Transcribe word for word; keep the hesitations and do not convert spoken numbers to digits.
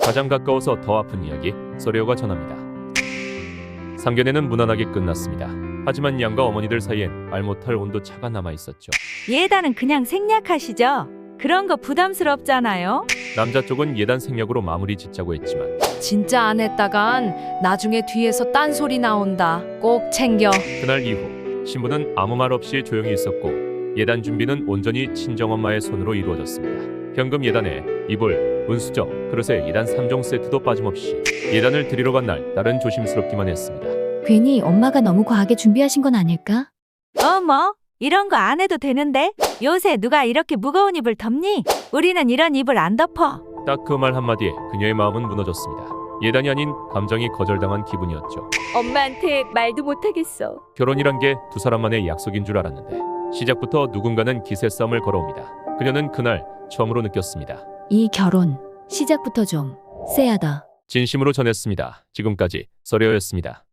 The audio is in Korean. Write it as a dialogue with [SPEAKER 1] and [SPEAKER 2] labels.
[SPEAKER 1] 가장 가까워서 더 아픈 이야기, 서려가 전합니다. 상견례는 무난하게 끝났습니다. 하지만 양과 어머니들 사이엔 말 못할 온도차가 남아있었죠.
[SPEAKER 2] 예단은 그냥 생략하시죠. 그런 거 부담스럽잖아요.
[SPEAKER 1] 남자 쪽은 예단 생략으로 마무리 짓자고 했지만
[SPEAKER 3] 진짜 안 했다간 나중에 뒤에서 딴소리 나온다. 꼭 챙겨.
[SPEAKER 1] 그날 이후 신부는 아무 말 없이 조용히 있었고 예단 준비는 온전히 친정엄마의 손으로 이루어졌습니다. 현금 예단에 이불, 은수저, 그릇에 예단 삼 종 세트도 빠짐없이 예단을 드리러 간 날 딸은 조심스럽기만 했습니다.
[SPEAKER 4] 괜히 엄마가 너무 과하게 준비하신 건 아닐까?
[SPEAKER 2] 어머, 이런 거 안 해도 되는데? 요새 누가 이렇게 무거운 이불 덮니? 우리는 이런 이불 안 덮어.
[SPEAKER 1] 딱 그 말 한마디에 그녀의 마음은 무너졌습니다. 예단이 아닌 감정이 거절당한 기분이었죠.
[SPEAKER 2] 엄마한테 말도 못하겠어.
[SPEAKER 1] 결혼이란 게 두 사람만의 약속인 줄 알았는데 시작부터 누군가는 기세 싸움을 걸어옵니다. 그녀는 그날 처음으로 느꼈습니다.
[SPEAKER 4] 이 결혼 시작부터 좀 쎄하다.
[SPEAKER 1] 진심으로 전했습니다. 지금까지 서려였습니다.